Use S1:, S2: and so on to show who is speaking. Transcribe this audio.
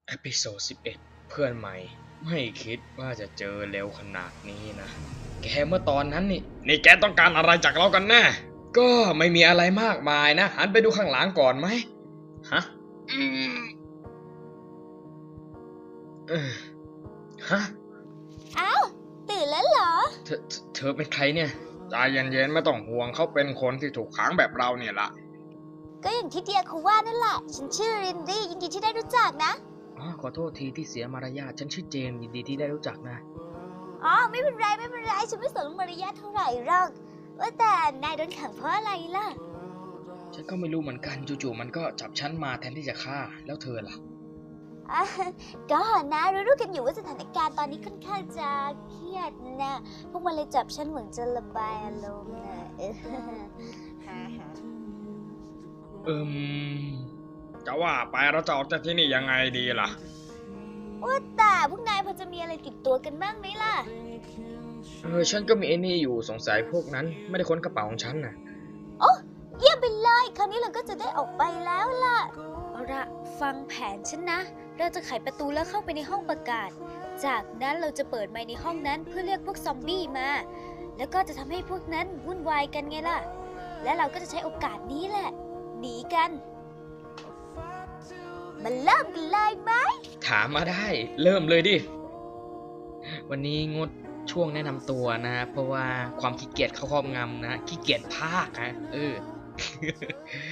S1: เอพิโซด11เพื่อนใหม่ไม่คิดว่าจะเจอเร็วขนาดนี้นะแกเมื่อตอนนั้นนี่แกต้องการอะไรจากเรากันแน่ก็ไม่มีอะไรมากมายนะหันไปดูข้างหลังก่อนไหมฮะอืมเออฮะ
S2: อ้าวตื่นแล้วเหรอ
S1: เธอเป็นใครเนี่ยใจเย็นๆไม่ต้องห่วงเขาเป็นคนที่ถูกขังแบบเราเนี่ยละ
S2: ก็อย่างที่เดียเขาว่านั่นแหละฉันชื่อรินดี้ยินดีที่ได้รู้จักนะ
S1: ขอโทษทีที่เสียมารยาทฉันชื่อเจมส์ยินดีที่ได้รู้จักนะ
S2: อ๋อไม่เป็นไรฉันไม่สนมารยาทเท่าไหร่หรอกว่าแต่นายโดนขังเพราะอะไรล่ะ
S1: ฉันก็ไม่รู้เหมือนกันจู่ๆมันก็จับฉันมาแทนที่จะฆ่าแล้วเธอล่ะ
S2: อ่ะก็นะรู้กันอยู่ว่าสถานการณ์ตอนนี้ค่อนข้างจะเครียดนะพวกมันเลยจับฉันเหมือนจะระบายอารมณ์นะ
S1: จะว่าไปเราจะออกจากที่นี่ยังไงดีล่ะ
S2: ว่าแต่พวกนายพอจะมีอะไรติดตัวกันบ้างไหมล่ะ
S1: ฉันก็มีไอ้นี่อยู่สงสัยพวกนั้นไม่ได้ค้นกระเป๋าของฉันน่ะ
S2: โอ้เยี่ยมไปเลยคราวนี้เราก็จะได้ออกไปแล้วล่ะเอาละฟังแผนฉันนะเราจะไขประตูแล้วเข้าไปในห้องประกาศจากนั้นเราจะเปิดไมค์ในห้องนั้นเพื่อเรียกพวกซอมบี้มาแล้วก็จะทำให้พวกนั้นวุ่นวายกันไงล่ะและเราก็จะใช้โอกาสนี้แหละหนีกันมาเริ่มกันเลยไหม
S1: ถามมาได้เริ่มเลยดิวันนี้งดช่วงแนะนำตัวนะเพราะว่าความขี้เกียจเข้าครอบงำนะขี้เกียจพากนะ